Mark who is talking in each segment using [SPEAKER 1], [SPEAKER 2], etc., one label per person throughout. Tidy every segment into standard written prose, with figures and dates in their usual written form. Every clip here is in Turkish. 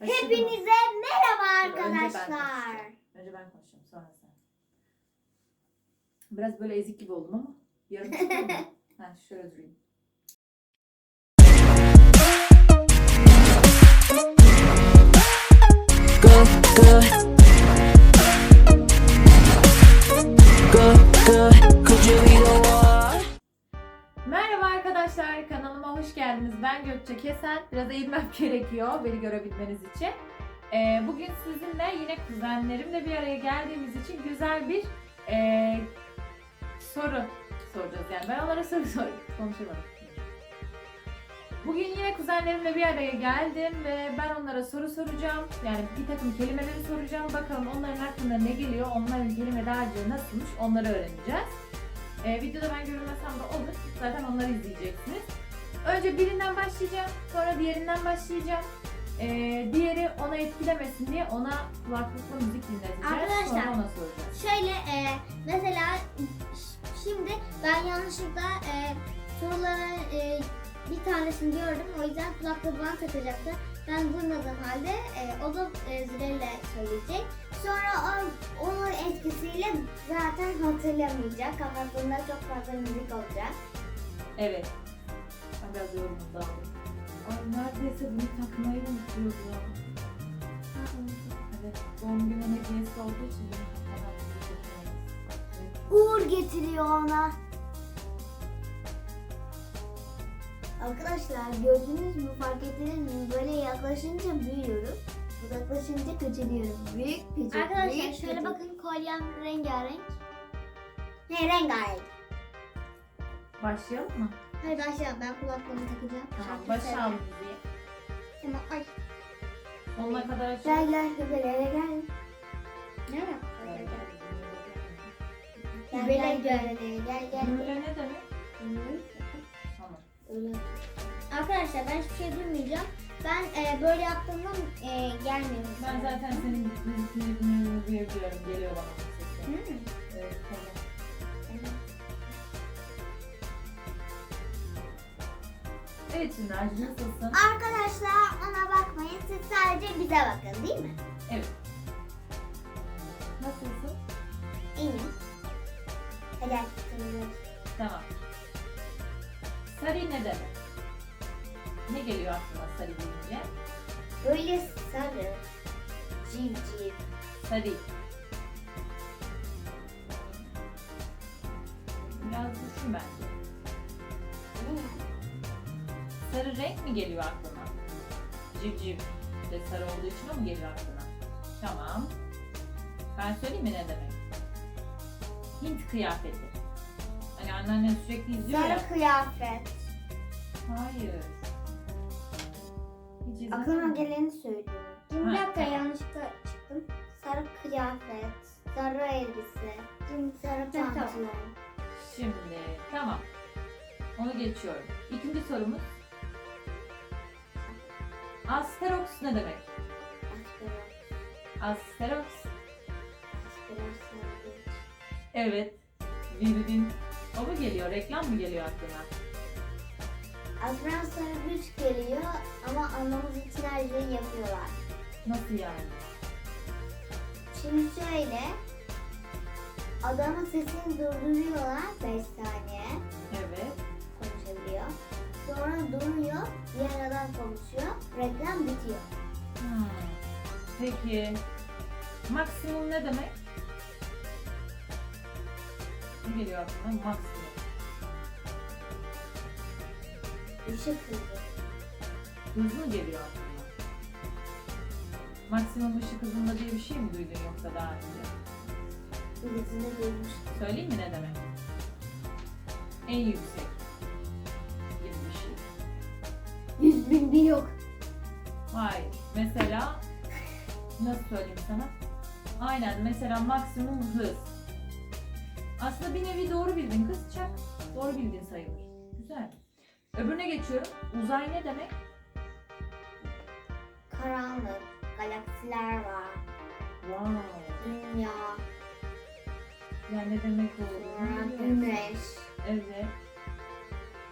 [SPEAKER 1] Hepinize merhaba arkadaşlar.
[SPEAKER 2] Önce ben konuşayım, sonra sen. Biraz böyle ezik gibi oldum ama yarım çıkıyor mu? Ha, şöyle durayım. Merhaba arkadaşlar, kanalıma hoş geldiniz. Ben Gökçe Kesen. Biraz eğilmem gerekiyor beni görebilmeniz için. Bugün sizinle yine kuzenlerimle bir araya geldiğimiz için güzel bir soru soracağız. Yani ben onlara soru konuşamadım. Bugün yine kuzenlerimle bir araya geldim ve ben onlara soru soracağım. Yani bir takım kelimeleri soracağım. Bakalım onların hakkında ne geliyor, onların kelime dağarcığı nasılmış onları öğreneceğiz. Videoda ben görünmesem de olur. Zaten onları izleyeceksiniz. Önce birinden başlayacağım. Sonra diğerinden başlayacağım. Diğeri ona etkilemesin diye ona kulaklıkla müzik dinleteceğiz.
[SPEAKER 1] Arkadaşlar,
[SPEAKER 2] sonra ona soracağız.
[SPEAKER 1] Şöyle mesela şimdi ben yanlışlıkla soruların bir tanesini gördüm. O yüzden kulaklığı bana takacaktı. Ben duymadığım halde o da zilelle söyleyecek. Sonra onun etkisiyle zaten hatırlamayacak ama bunda çok fazla müzik olacak.
[SPEAKER 2] Evet. Ben biraz yorumum dağıldım. Ay neredeyse bunu takmayı unutuyoruz ya. Evet. Doğum günü hediyesi olduğu için bunu takmadan
[SPEAKER 1] Uğur getiriyor ona. Arkadaşlar gördünüz mü, fark ettiniz mi? Böyle yaklaşınca büyüyorum. Uzaklaşınca küçülüyorum. Büyük küçük.
[SPEAKER 3] Arkadaşlar
[SPEAKER 1] büyük,
[SPEAKER 3] şöyle
[SPEAKER 1] küçük.
[SPEAKER 3] bakın, kolyem rengarenk.
[SPEAKER 1] Ne rengarenk.
[SPEAKER 2] Başlayalım mı?
[SPEAKER 1] Hayır başlayalım, ben kulaklığımı takacağım.
[SPEAKER 2] Tamam.
[SPEAKER 1] Şarkı
[SPEAKER 2] Başa al
[SPEAKER 1] söyleyeyim.
[SPEAKER 2] müziği.
[SPEAKER 1] Tamam, ay.
[SPEAKER 2] Sonuna kadar aç.
[SPEAKER 1] Gel gel hübelere gel. Ne yap?
[SPEAKER 3] Gel,
[SPEAKER 1] Hübele
[SPEAKER 3] gel,
[SPEAKER 1] gel. Gel gel.
[SPEAKER 2] Böyle ne demek? Tamam.
[SPEAKER 1] Öyle.
[SPEAKER 3] Arkadaşlar ben hiçbir şey duymayacağım. Ben böyle yaptığımda gelmiyor.
[SPEAKER 2] Ben zaten senin müziklerini duyabiliyorum. Geliyor bana bu sesi. Evet, tamam. Evet Çınar'cığım, nasılsın?
[SPEAKER 1] Arkadaşlar ona bakmayın, siz sadece bize bakın, değil mi?
[SPEAKER 2] Evet. Nasılsın?
[SPEAKER 1] İyiyim. Hadi açtım.
[SPEAKER 2] Tamam. Sarı ne demek? Ne geliyor aklına sarı deyince?
[SPEAKER 1] Böyle sarı, civciv.
[SPEAKER 2] Sarı. Biraz düşün bence.
[SPEAKER 1] Ne ya?
[SPEAKER 2] Sarı renk mi geliyor aklına? Civciv de sarı olduğu için o mu geliyor aklına? Tamam. Ben söyleyeyim mi ne demek? Hint kıyafeti. Hani anneannen sürekli izliyor ya.
[SPEAKER 1] Sarı kıyafet.
[SPEAKER 2] Hayır. Hiç izlemedin
[SPEAKER 1] Aklıma
[SPEAKER 2] mi?
[SPEAKER 1] geleni söylüyorum.
[SPEAKER 3] Bir
[SPEAKER 2] Ha,
[SPEAKER 3] dakika,
[SPEAKER 2] tamam.
[SPEAKER 3] yanlışlıkla çıktım.
[SPEAKER 1] Sarı kıyafet, sarı elbise, sarı
[SPEAKER 3] tamam.
[SPEAKER 1] pantolon.
[SPEAKER 2] Şimdi tamam. Onu geçiyorum. İkinci sorumuz. Asterox ne demek?
[SPEAKER 1] Aspirat,
[SPEAKER 2] Asterox.
[SPEAKER 1] aspirat, sarı.
[SPEAKER 2] Evet. Bildin. O mu geliyor? Reklam mı geliyor aklına?
[SPEAKER 1] Aspirat sarı güç geliyor ama anlamamız için her şeyi yapıyorlar.
[SPEAKER 2] Nasıl yani?
[SPEAKER 1] Şimdi şöyle, adamın sesini durduruyorlar 5 saniye,
[SPEAKER 2] Evet.
[SPEAKER 1] konuşabiliyor. Sonra duruyor, diğer adam konuşuyor, reklam bitiyor.
[SPEAKER 2] Hmm. Peki. Maksimum ne demek? Ne geliyor aklına? Maksimum.
[SPEAKER 1] Işık hızı.
[SPEAKER 2] Hız mı geliyor aklına? Maksimum ışık hızında diye bir şey mi duydun yoksa daha önce?
[SPEAKER 1] Birisini duymuştum.
[SPEAKER 2] Söyleyeyim mi ne demek? En yüksek gibi bir şey.
[SPEAKER 1] 100.000 bir yok.
[SPEAKER 2] Hayır. Mesela nasıl söyleyeyim sana? Aynen mesela maksimum hız. Aslında bir nevi doğru bildin kız, çak. Doğru bildin sayılır. Güzel. Öbürüne geçiyorum. Uzay ne demek?
[SPEAKER 1] Karanlık, galaksiler var,
[SPEAKER 2] Wow.
[SPEAKER 1] dünya,
[SPEAKER 2] Yani ne demek
[SPEAKER 1] sonra
[SPEAKER 2] olduğunu biliyorum.
[SPEAKER 1] güneş,
[SPEAKER 2] Evet.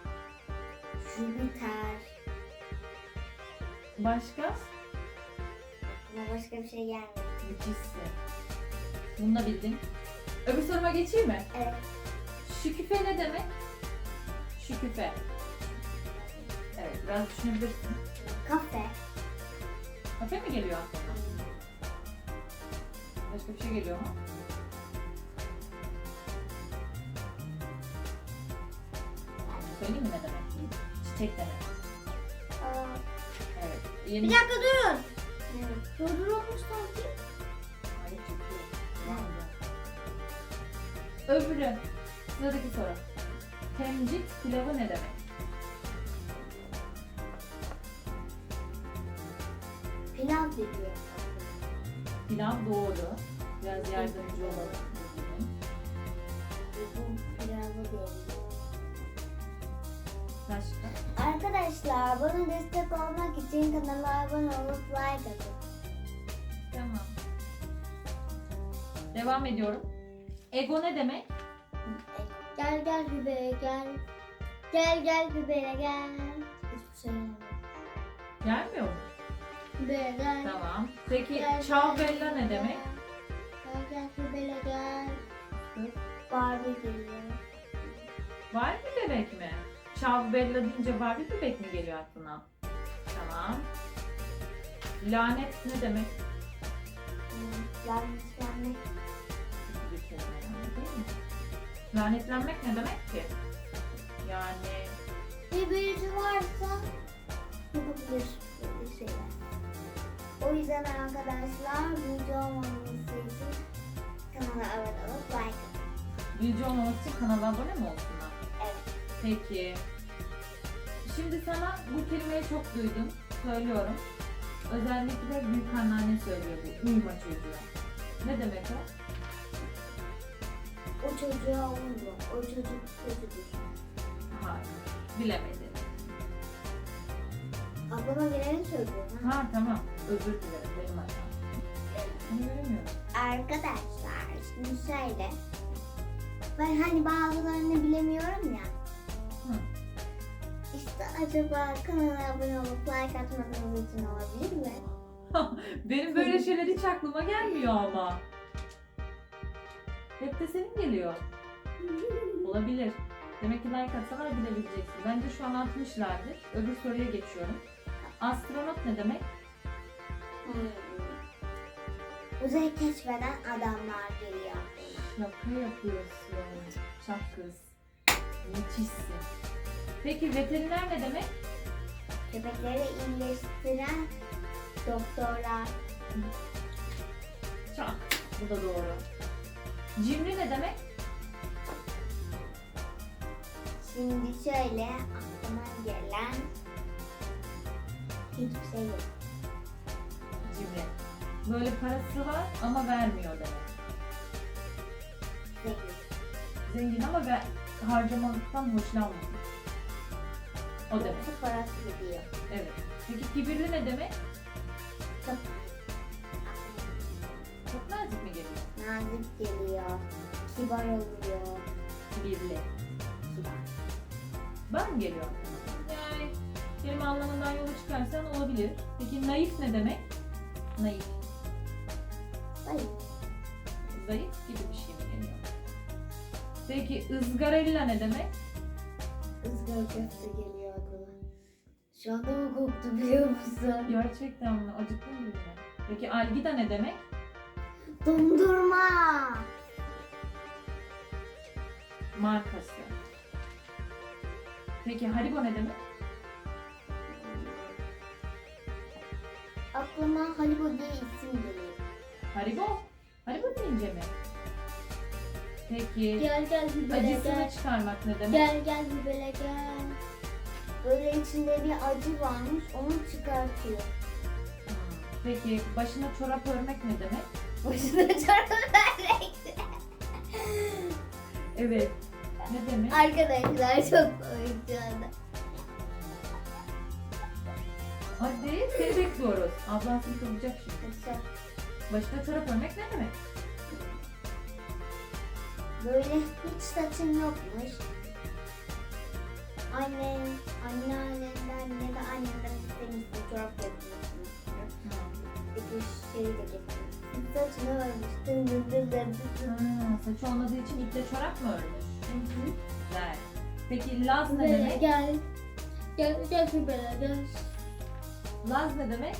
[SPEAKER 1] Jüpiter,
[SPEAKER 2] Başka?
[SPEAKER 3] Aklıma başka bir şey gelmedi.
[SPEAKER 2] Müthişsin. Bunu da bildin. Öbür soruma geçeyim mi?
[SPEAKER 3] Evet.
[SPEAKER 2] Şüküfe ne demek? Şüküfe. Evet, biraz düşünebilirsin.
[SPEAKER 3] Kafe.
[SPEAKER 2] Kafe mi geliyor aklına? Başka bir şey geliyor mu? Söyleyeyim mi ne demek? Çiçek demek.
[SPEAKER 3] Aa,
[SPEAKER 2] Evet.
[SPEAKER 3] bir
[SPEAKER 2] Yeni...
[SPEAKER 3] dakika durun. Evet. Durdurulmuş sanki.
[SPEAKER 2] Hayır, çekiyor. Devam ediyor. Öbürü. Sıradaki soru. Temcit pilavı ne demek?
[SPEAKER 3] Pilav diyor.
[SPEAKER 2] Pilav doğru. Biraz yardımcı olalım.
[SPEAKER 3] Bu pilavı değil.
[SPEAKER 2] Başka?
[SPEAKER 3] Arkadaşlar bana destek olmak için kanala abone olup like atın.
[SPEAKER 2] Tamam. Devam ediyorum. Ego ne demek?
[SPEAKER 3] Gel gel Hübey'e gel. Gel gel Hübey'e gel. Hiçbir şey gelmedi.
[SPEAKER 2] Gelmiyor mu?
[SPEAKER 3] Hübey'e gel.
[SPEAKER 2] Tamam. Peki
[SPEAKER 3] Gel,
[SPEAKER 2] ciao
[SPEAKER 3] gel,
[SPEAKER 2] bella ne
[SPEAKER 3] gel.
[SPEAKER 2] demek?
[SPEAKER 3] Gel gel Hübey'e gel. Barbie geliyor.
[SPEAKER 2] Barbie bebek mi? Ciao bella deyince Barbie bebek mi geliyor aklına? Tamam. Lanet ne demek?
[SPEAKER 3] Lanetlenmek.
[SPEAKER 2] Kötü bir kelime yani, değil mi? Lanetlenmek ne demek ki? Yani
[SPEAKER 3] Bir büyücü varsa yapabilir böyle şeyler. O yüzden arkadaşlar büyücü olmamız için kanala abone olup like atın.
[SPEAKER 2] büyücü olmamak için kanala abone mi olsunlar?
[SPEAKER 3] Evet.
[SPEAKER 2] Peki. Şimdi sana bu kelimeyi çok duydum. Söylüyorum. Özellikle büyük anneanne söylüyor bu. Uyuma çocuğu. Ne demek o?
[SPEAKER 3] O çocuğa uyuyor. O çocuk kötüdür.
[SPEAKER 2] Hayır. Bilemedim.
[SPEAKER 3] Aklıma geleni söylüyorum. Ha?
[SPEAKER 2] Ha tamam. Özür dilerim. Benim hatam. Bunu göremiyorum.
[SPEAKER 3] Arkadaşlar şimdi şöyle. Ben hani bazılarını bilemiyorum ya.
[SPEAKER 2] Hı.
[SPEAKER 3] İşte acaba kanala abone olup like atmadığınız için olabilir mi?
[SPEAKER 2] Benim böyle şeyler hiç aklıma gelmiyor ama. Hep de senin geliyor. Olabilir. Demek ki like atsalar bilebileceksin. Bence şu an atmışlardır. Öbür soruya geçiyorum. Astronot ne demek?
[SPEAKER 3] Uzayı keşfeden adamlar geliyor.
[SPEAKER 2] Şaka yapıyorsun. Çak kız. Müthişsin. Peki veteriner ne demek?
[SPEAKER 3] Köpekleri iyileştiren doktorlar.
[SPEAKER 2] Çak. Bu da doğru. Cimri ne demek?
[SPEAKER 3] Şimdi şöyle aklıma gelen hiçbir şey yok.
[SPEAKER 2] Cimri. Böyle parası var ama vermiyor demek.
[SPEAKER 3] Zengin.
[SPEAKER 2] Zengin ama harcamaktan hoşlanmıyor. O demek.
[SPEAKER 3] Yoksa parası gidiyor.
[SPEAKER 2] Evet. Peki kibirli ne demek?
[SPEAKER 3] Çok
[SPEAKER 2] Çok nazik mi geliyor?
[SPEAKER 3] nazik geliyor. Kibar oluyor.
[SPEAKER 2] Kibirli. Ben mi geliyor? Yani kelime anlamından yola çıkarsan olabilir. Peki naif ne demek? Naif.
[SPEAKER 3] Hayır.
[SPEAKER 2] Zayıf gibi bir şey mi geliyor? Peki ızgarella ne demek?
[SPEAKER 3] Izgara köfte geliyor aklıma. Şu anda mı koktu biliyor musun?
[SPEAKER 2] Gerçekten mi? Acıktın mı? Peki algida ne demek?
[SPEAKER 3] Dondurma.
[SPEAKER 2] Markası. Peki Haribo ne demek?
[SPEAKER 3] Aklıma Haribo diye isim geliyor.
[SPEAKER 2] Haribo? Haribo deyince mi? Peki
[SPEAKER 3] Gel gel Hübele
[SPEAKER 2] acısını
[SPEAKER 3] gel.
[SPEAKER 2] çıkarmak ne demek?
[SPEAKER 3] Gel gel Hübele gel. Böyle içinde bir acı varmış onu çıkartıyor.
[SPEAKER 2] Peki başına çorap örmek ne demek?
[SPEAKER 3] Başına çorap vermek.
[SPEAKER 2] Evet. Ne demek?
[SPEAKER 3] Arkadaşlar çok komik şu anda.
[SPEAKER 2] Hadi seni bekliyoruz. Ablan seni kızacak şimdi.
[SPEAKER 3] Mesela
[SPEAKER 2] Başına çorap örmek ne demek?
[SPEAKER 3] böyle hiç saçın yokmuş. Anneannenden ya da annenden istemişsin çorap yapıyorsun. Dikiş şeyi de getirdim. Saçını örmüş. Dın dın dın dın dın.
[SPEAKER 2] Saçı olmadığı için iple çorap mı örmüş?
[SPEAKER 3] Hı hı.
[SPEAKER 2] Güzel. Peki Laz ne
[SPEAKER 1] Böyle
[SPEAKER 2] demek?
[SPEAKER 1] gel. Gel böyle gel.
[SPEAKER 2] Laz ne demek?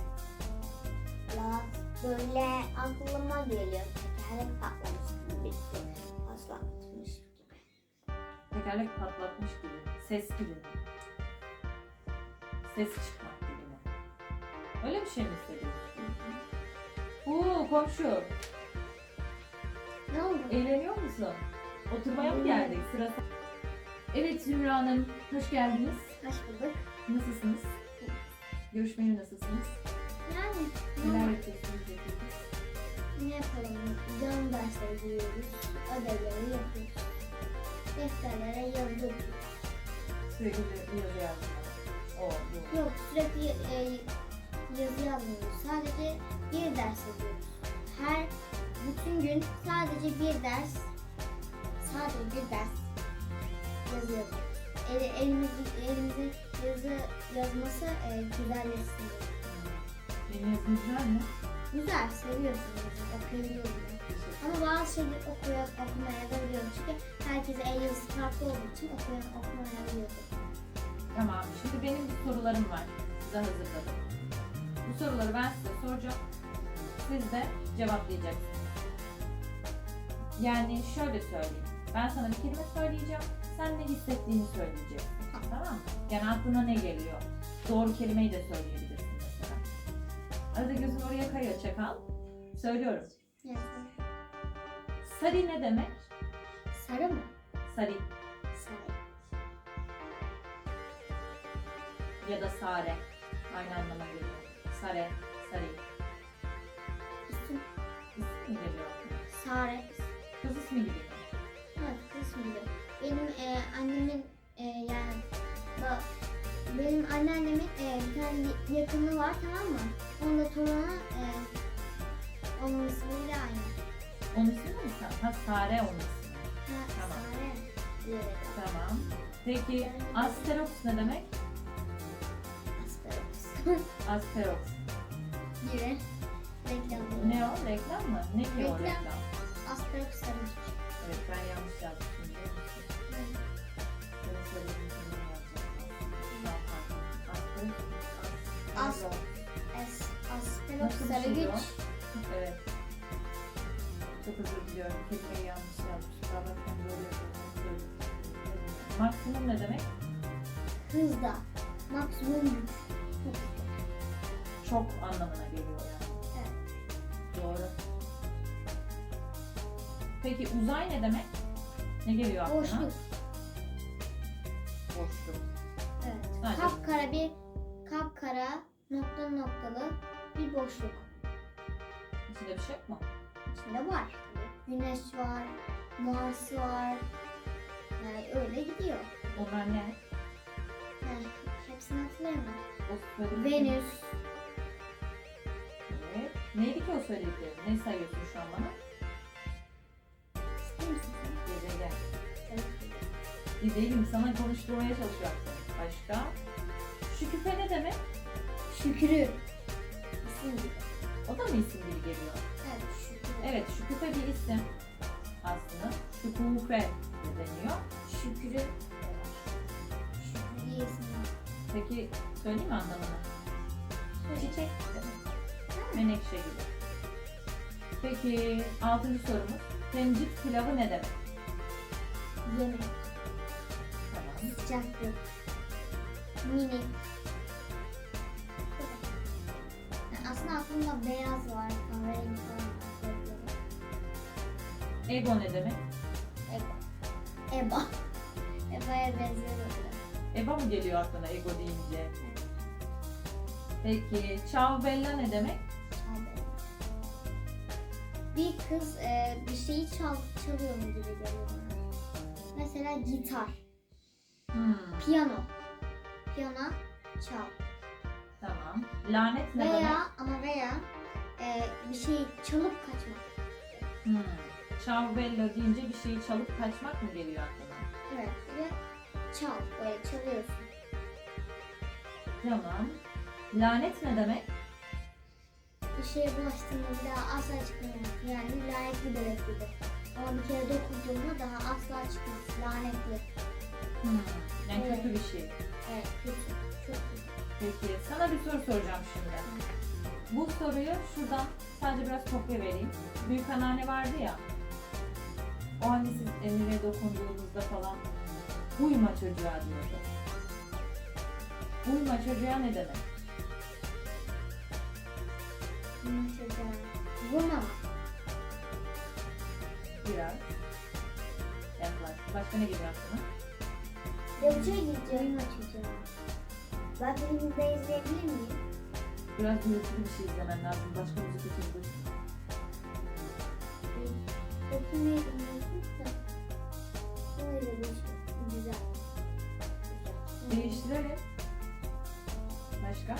[SPEAKER 3] Laz böyle aklıma geliyor. Tekerlek patlamış gibi bir şey. Paslatmış gibi.
[SPEAKER 2] Tekerlek patlatmış gibi. Ses gibi mi? Ses çıkmak gibi mi? Öyle bir şey mi hissediyorsun? Komşu.
[SPEAKER 1] Ne oldu?
[SPEAKER 2] Eğleniyor musun? Oturmaya mı geldik? Sıra. Evet Zümra Hanım, hoş geldiniz.
[SPEAKER 1] Hoş bulduk.
[SPEAKER 2] Nasılsınız? Görüşmeye nasılsınız?
[SPEAKER 1] Yani
[SPEAKER 2] Neler yapıyorsunuz? Yapıyorsunuz?
[SPEAKER 1] ne yapalım? Canlı dersleri giyiyoruz. Ödevleri yapıyoruz. Defterlere yazıyoruz.
[SPEAKER 2] Sürekli yazı yazmak. O, bu.
[SPEAKER 1] Yok sürekli yazı yazmıyoruz. Sadece bir ders yazıyoruz. Bütün gün sadece bir ders yazıyoruz. Elimizin yazı yazması güzelleşsin diye.
[SPEAKER 2] Benim yazım güzel mi?
[SPEAKER 1] Güzel, seviyorsunuz. Okuyabiliyorum. Ama bazı şeyleri okumaya da biliyorum. Çünkü herkese el yazısı farklı olduğu için okumaya biliyorum.
[SPEAKER 2] Tamam, şimdi benim bir sorularım var. Size hazırladım. Bu soruları ben size soracağım. Siz de cevaplayacaksınız. Yani şöyle söyleyeyim. Ben sana bir kelime söyleyeceğim. Sen ne hissettiğini söyleyeceksin. Tamam mı? Yani aklına ne geliyor? Doğru kelimeyi de söyleyebilirsin mesela. Arada gözün oraya kayıyor çakal. Söylüyorum.
[SPEAKER 1] Yes.
[SPEAKER 2] Sari ne demek?
[SPEAKER 1] Sarı mı?
[SPEAKER 2] Sari
[SPEAKER 1] Sarı.
[SPEAKER 2] ya da sare. Aynı anlama geliyor. Sare, sari.
[SPEAKER 1] İsim.
[SPEAKER 2] İsim mi geliyor aklına?
[SPEAKER 1] Sare.
[SPEAKER 2] Kız ismi gibi mi?
[SPEAKER 1] Evet, kısmı gibi. Benim annemin yani benim anneannemin bir tane yakını var, tamam mı? Onun da torunu onun ismiyle aynı.
[SPEAKER 2] Onun ismi mi sen? Ha Sare onun ismi.
[SPEAKER 1] Ha,
[SPEAKER 2] Tamam.
[SPEAKER 1] Sare diye.
[SPEAKER 2] Tamam. Peki Asterox ne demek?
[SPEAKER 1] Asperger.
[SPEAKER 2] Asterox.
[SPEAKER 1] gibi. Reklam.
[SPEAKER 2] Ne o? Reklam mı? Ne ki o
[SPEAKER 1] Reklam.
[SPEAKER 2] reklam?
[SPEAKER 1] Asperger sarmış.
[SPEAKER 2] Evet ben yanlış yazmışım biliyor musun? Senin söylediğin gibi yazacağım. Daha farklı. Asterox.
[SPEAKER 1] Asperger
[SPEAKER 2] Nasıl bir
[SPEAKER 1] sarı
[SPEAKER 2] şey
[SPEAKER 1] güç.
[SPEAKER 2] o? Evet. Çok özür diliyorum. Kelimeyi yanlış yazmışım. Daha bakın böyle yapıyorum. Maksimum ne demek?
[SPEAKER 1] Hızda. Maksimum güç. Çok hızlı.
[SPEAKER 2] Çok anlamına geliyor yani.
[SPEAKER 1] Evet.
[SPEAKER 2] Doğru. Peki uzay ne demek? Ne geliyor aklına?
[SPEAKER 1] Boşluk.
[SPEAKER 2] Boşluk.
[SPEAKER 1] Evet.
[SPEAKER 2] Sadece-
[SPEAKER 1] Kapkara noktalı bir boşluk.
[SPEAKER 2] İçinde bir şey yok mu?
[SPEAKER 1] İçinde var. Güneş var, Mars var. Yani öyle gidiyor.
[SPEAKER 2] Onlar ne?
[SPEAKER 1] Yani hepsini hatırlayamam.
[SPEAKER 2] O söylediklerin-
[SPEAKER 1] Venüs,
[SPEAKER 2] Evet. Neydi ki o söyledikleri? Ne sayıyorsun şu an bana?
[SPEAKER 1] ister misin sen?
[SPEAKER 2] Gezegen.
[SPEAKER 1] Evet.
[SPEAKER 2] Bir değilim sana konuşturmaya çalışıyorum seni. Başka? Şüküfe ne demek?
[SPEAKER 1] Şükrü. İsim gibi.
[SPEAKER 2] O da mı isim gibi geliyor?
[SPEAKER 1] Evet, şükrü.
[SPEAKER 2] Evet, şüküfe bir isim aslında. Şükufe de deniyor.
[SPEAKER 1] Şükrü. Şükrü diye isim var.
[SPEAKER 2] Peki söyleyeyim mi anlamını?
[SPEAKER 1] Söyle.
[SPEAKER 2] Çiçek demek. Menekşe gibi. Peki 6. sorumuz. Temcit pilavı ne demek?
[SPEAKER 1] Yemek,
[SPEAKER 2] Tamam.
[SPEAKER 1] sıcaklık, minik. Yani aslında aklımda beyaz var, kahverengi falan var.
[SPEAKER 2] Ego ne demek?
[SPEAKER 1] Eba. Eba'ya benziyor böyle.
[SPEAKER 2] Eba mı geliyor aklına ego deyince? Peki ciao bella ne demek?
[SPEAKER 1] Çaldı. Bir kız bir şeyi çalıyor mu gibi geliyor bana. Mesela gitar, piyano. Piyano çal.
[SPEAKER 2] Tamam. Lanet ne demek?
[SPEAKER 1] Veya bir şeyi çalıp kaçmak.
[SPEAKER 2] Ciao bella deyince bir şeyi çalıp kaçmak mı geliyor aklına?
[SPEAKER 1] Evet. Ve çal. Böyle çalıyorsun.
[SPEAKER 2] Tamam. Lanet ne demek?
[SPEAKER 1] Bir şeye bulaştığında bir daha asla çıkmıyor. Yani lanetli bebek gibi. Ama bir kere dokunduğunda daha asla çıkmaz. Lanetli.
[SPEAKER 2] Yani
[SPEAKER 1] Evet.
[SPEAKER 2] kötü bir şey.
[SPEAKER 1] Evet, kötü. Çok kötü.
[SPEAKER 2] Peki sana bir soru soracağım şimdi. Bu soruyu şuradan sadece biraz kopya vereyim. Büyük anneanne vardı ya. O hani siz Emir'e dokunduğunuzda falan uyma çocuğa diyordu. Uyma çocuğa ne demek?
[SPEAKER 1] Bunun çocuğa. Vurma.
[SPEAKER 2] Biraz. Yaklaş. Başka ne geliyor aklına?
[SPEAKER 3] Ya bir şey diyeceğim.
[SPEAKER 1] Vurma çocuğa.
[SPEAKER 3] Ben filmi de izleyebilir miyim?
[SPEAKER 2] Biraz gürültülü bir şey izlemen lazım. Başka müzik açabilirsin.
[SPEAKER 3] Bakayım ne dinliyorsun da. Öyle bir şey. Güzel.
[SPEAKER 2] Değiştirelim. Başka?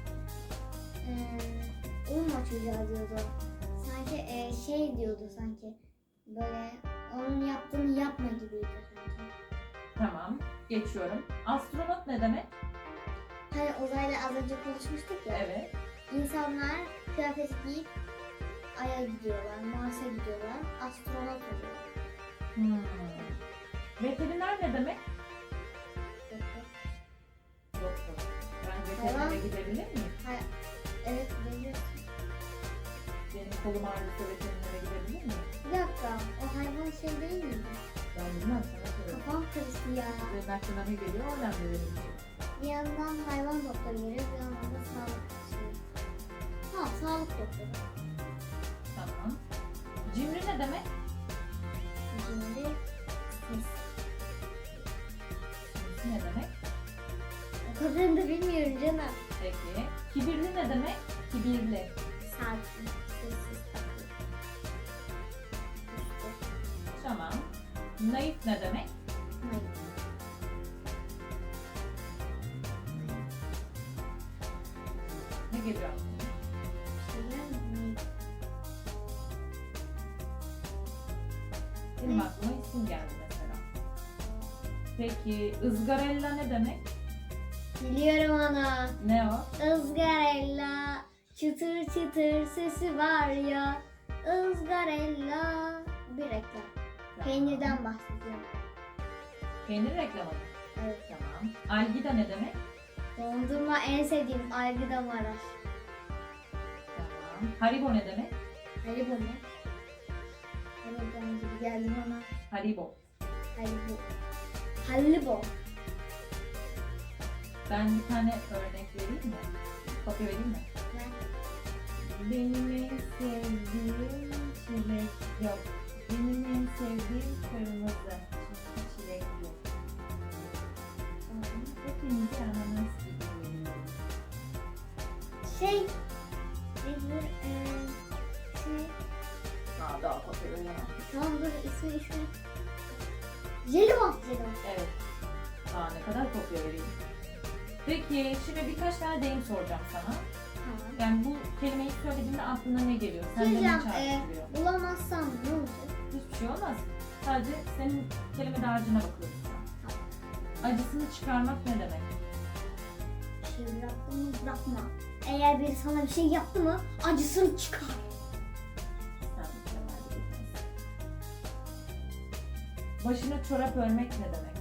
[SPEAKER 1] Uyuma çocuğa diyordu. Sanki şey diyordu sanki. Böyle onun yaptığını yapma gibiydi sanki.
[SPEAKER 2] Tamam. Geçiyorum. Astronot ne demek?
[SPEAKER 1] Hani uzayla az önce konuşmuştuk ya.
[SPEAKER 2] Evet.
[SPEAKER 1] İnsanlar kıyafet giyip Ay'a gidiyorlar, Mars'a gidiyorlar, astronot oluyor.
[SPEAKER 2] Veteriner ne demek?
[SPEAKER 1] Doktor.
[SPEAKER 2] Doktor. Ben veterinere
[SPEAKER 1] Tamam.
[SPEAKER 2] gidebilir miyim?
[SPEAKER 1] Evet, biliyorsun.
[SPEAKER 2] Benim kolum ağrıyorsa veterinere gidebilir miyim?
[SPEAKER 1] Bir dakika, o hayvan şey değil miydi?
[SPEAKER 2] Ben bilmem, sana soruyorum.
[SPEAKER 1] Kafam karıştı ya.
[SPEAKER 2] Benim aklıma ne geliyor? O önemli benim için.
[SPEAKER 1] Bir yandan hayvan doktoru geliyor, bir yandan da sağlık şeyi. Ha, sağlık doktoru.
[SPEAKER 2] Tamam. Cimri ne demek?
[SPEAKER 1] Şimdi ses.
[SPEAKER 2] Cimrisi ne demek?
[SPEAKER 1] O kadarını da bilmiyorum canım.
[SPEAKER 2] Peki. Kibirli ne demek? Kibirli.
[SPEAKER 1] Sakin, sessiz, takıyor. Üstü,
[SPEAKER 2] Tamam. Naif ne demek?
[SPEAKER 1] mayın.
[SPEAKER 2] Ne geliyor aklına?
[SPEAKER 1] Şeyler mi? Mayın.
[SPEAKER 2] Benim
[SPEAKER 1] Ne?
[SPEAKER 2] aklıma isim geldi mesela. Peki ızgarella ne demek?
[SPEAKER 1] Biliyorum onu.
[SPEAKER 2] Ne o?
[SPEAKER 1] Izgarella, çıtır çıtır sesi var ya. Izgarella. Bir reklam. Peynirden bahsediyorum.
[SPEAKER 2] Peynir reklamı mı?
[SPEAKER 1] Evet.
[SPEAKER 2] Tamam. Algida ne demek?
[SPEAKER 1] Dondurma en sevdiğim Algida Maraş.
[SPEAKER 2] Tamam. Haribo ne demek?
[SPEAKER 1] Haribo mu? Haribo gibi geldi bana.
[SPEAKER 2] Haribo.
[SPEAKER 1] Haribo. Haribo.
[SPEAKER 2] Ben bir tane örnek vereyim mi? Kopya vereyim mi?
[SPEAKER 1] Ne?
[SPEAKER 2] Benim en sevdiğim çilek yok. Benim en sevdiğim kırmızı. Çünkü çilek yok. Hepinizi ananas gibi görüyorum.
[SPEAKER 1] Şey. Nedir? Şey.
[SPEAKER 2] Daha kopya veremem.
[SPEAKER 1] Tamam dur ismi. Jelibon. Jelibon.
[SPEAKER 2] Evet. Daha ne kadar kopya vereyim. Peki şimdi birkaç tane deyim soracağım sana.
[SPEAKER 1] Tamam.
[SPEAKER 2] Yani bu kelimeyi söylediğinde aklına ne geliyor? Sende ne
[SPEAKER 1] Diyeceğim,
[SPEAKER 2] çağrıştırıyor?
[SPEAKER 1] bulamazsam ne olacak?
[SPEAKER 2] Hiçbir şey olmaz. Sadece senin kelime dağarcığına bakıyoruz şu an. Acısını çıkarmak ne demek?
[SPEAKER 1] Bir şey bıraktın mı bırakma. Eğer biri sana bir şey yaptı mı acısını çıkar.
[SPEAKER 2] Sen mükemmel bir insansın. Başına çorap örmek ne demek?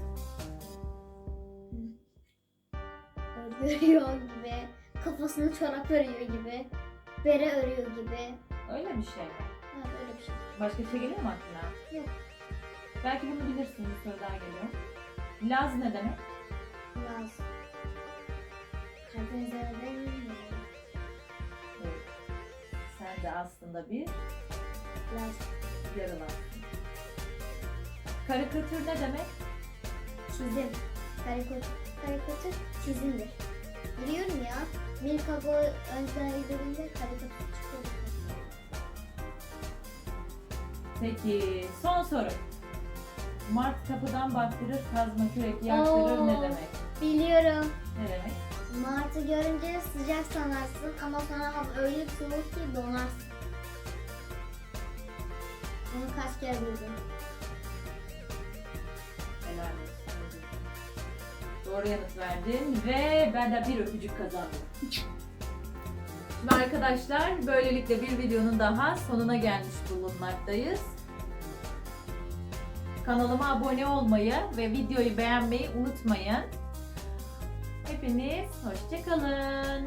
[SPEAKER 1] Örüyor gibi. Kafasını çorap örüyor gibi. Bere örüyor gibi.
[SPEAKER 2] Öyle bir şey mi?
[SPEAKER 1] Evet öyle bir şey.
[SPEAKER 2] Başka bir şey geliyor mu aklına?
[SPEAKER 1] Yok.
[SPEAKER 2] Belki bunu bilirsin, bir soru daha geliyor. Laz ne demek?
[SPEAKER 1] Yaz. Karadeniz'e bilmiyorum.
[SPEAKER 2] Evet. Sen de aslında bir
[SPEAKER 1] Yaz.
[SPEAKER 2] yarılansın. Karikatür ne demek?
[SPEAKER 1] Çizim. Karikatür çizimdir. Biliyorum ya. Milkago önceden izlediğimde karikatür çıkıyordu.
[SPEAKER 2] Peki son soru. Mart kapıdan baktırır, kazma kürek yaktırır
[SPEAKER 1] Oo.
[SPEAKER 2] ne demek?
[SPEAKER 1] Biliyorum.
[SPEAKER 2] Ne demek?
[SPEAKER 1] Martı görünce sıcak sanarsın ama sonra hava öyle bir soğuk ki donarsın. Bunu kaç kere duydum.
[SPEAKER 2] Helal olsun. Doğru yanıt verdin ve ben de bir öpücük kazandım. Ve arkadaşlar böylelikle bir videonun daha sonuna gelmiş bulunmaktayız. Kanalıma abone olmayı ve videoyu beğenmeyi unutmayın. Hepiniz hoşça kalın.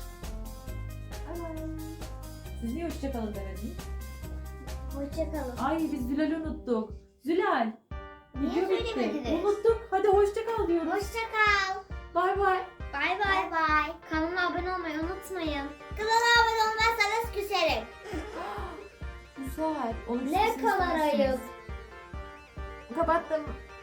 [SPEAKER 2] Siz niye hoşça kalın demediniz?
[SPEAKER 3] Hoşçakalın.
[SPEAKER 2] Ay biz Zülal'i unuttuk. Zülal.
[SPEAKER 3] Niye
[SPEAKER 2] video bitti.
[SPEAKER 3] söylemediniz?
[SPEAKER 2] Unuttuk. Hadi hoşça kal diyoruz.
[SPEAKER 3] Hoşçakal.
[SPEAKER 2] Bay bay.
[SPEAKER 1] Bay
[SPEAKER 3] Bay
[SPEAKER 1] bay.
[SPEAKER 3] bay.
[SPEAKER 1] Kanalıma abone olmayı unutmayın.
[SPEAKER 3] Kanala abone olmazsanız küserim.
[SPEAKER 2] Güzel. Onu
[SPEAKER 3] Ne kadar ayıp.
[SPEAKER 2] Kapattım.